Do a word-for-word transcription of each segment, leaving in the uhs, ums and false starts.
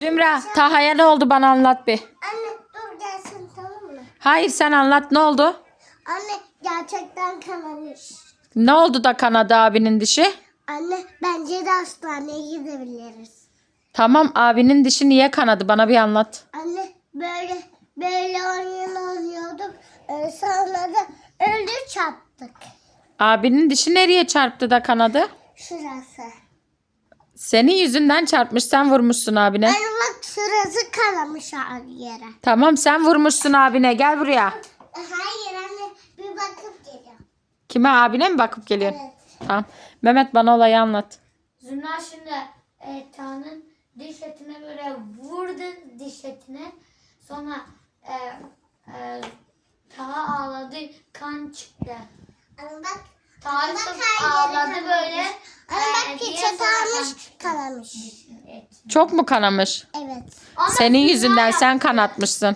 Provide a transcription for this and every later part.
Zümra, Taha'ya ne oldu bana anlat bir. Anne dur gelsin tamam mı? Hayır sen anlat ne oldu? Anne gerçekten kanamış. Ne oldu da kanadı abinin dişi? Anne bence de hastaneye gidebiliriz. Tamam abinin dişi niye kanadı bana bir anlat. Anne böyle böyle oyun oynuyorduk. Ee, sonra da öldü çarptık. Abinin dişi nereye çarptı da kanadı? Şurası. Senin yüzünden çarpmış sen vurmuşsun abine. Anne bak şurası kanamış abi yere. Tamam sen vurmuşsun abine gel buraya. Hayır anne bir bakıp geliyorum. Kime abine mi bakıp geliyorsun? Evet. Tamam. Mehmet bana olayı anlat. Zümra şimdi e, Taha'nın diş etine böyle vurdu diş etine. Sonra e, e, Taha ağladı, kan çıktı. Anne bak. Taha Anne bak sırf her yeri ağladı kanamış. böyle. Anne e, bak diye peçete sonra kan almış çıktı. kanamış. Evet. Çok mu kanamış? Evet. Ama Senin Zümra yüzünden yaptı. sen kanatmışsın.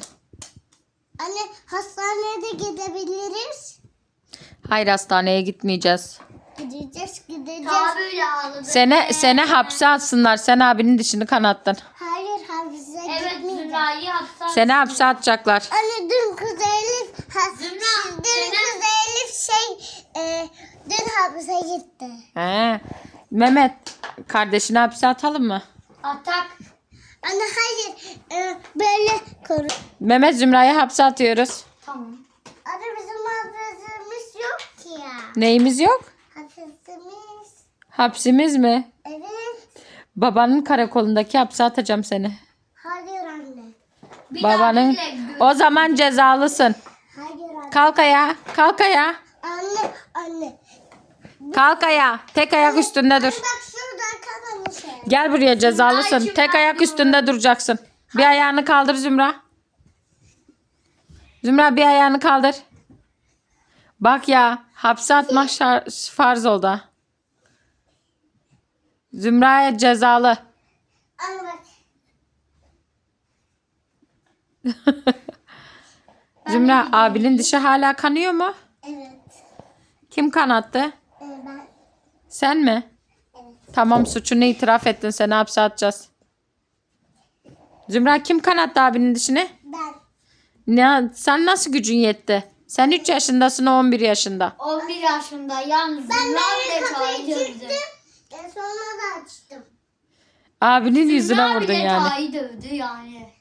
Anne hastaneye de gidebiliriz. Hayır hastaneye gitmeyeceğiz. Gideceğiz gideceğiz. Taha böyle ağladı. Sene böyle. sene hapse atsınlar. Sen abinin dişini kanattın. Hayır hapise Evet gitmeyeceğiz. Zümra'yı hapse Seni hapse atacaklar. Anne dün kız Elif ha, Zümra, dün senin- kız Elif şey e, dün hapise gitti. He. Mehmet kardeşini hapse atalım mı? Atak. Anne hayır e, böyle koru. Mehmet Zümra'yı hapse atıyoruz. Tamam. Anne bizim hapsimiz yok ki ya. Neyimiz yok? Hapsimiz. Hapsimiz mi? Evet. Babanın karakolundaki hapse atacağım seni. Hayır anne. Bir daha Babanın. bile gö- O zaman cezalısın. Hayır anne. Kalk ayağa. Kalk ayağa. Anne anne. Kalk ayağa. Tek ayak üstünde dur. Bak şurada kanamış. el. Gel buraya cezalısın. Zümracığım, Tek ben ayak bunu- üstünde duracaksın. Bir ayağını kaldır Zümra. Zümra bir ayağını kaldır. Bak ya hapse atmak şar- farz oldu. ha. Zümra'ya cezalı. Anne bak. Zümra abinin dişi hala kanıyor mu? Evet. Kim kanattı? E, ben. Sen mi? Evet. Tamam suçunu itiraf ettin. Seni hapse atacağız. Zümra kim kanattı abinin dişini? Ben. Ne, sen nasıl gücün yetti? Sen üç yaşındasın o on bir yaşında. on bir yaşında yalnız Ben Zümra böyle bile kapıyı Taha'yı dövdü. çıktım. E, sonra da açtım. Abinin yüzüne Zümra vurdun bile yani. Taha'yı dövdü yani.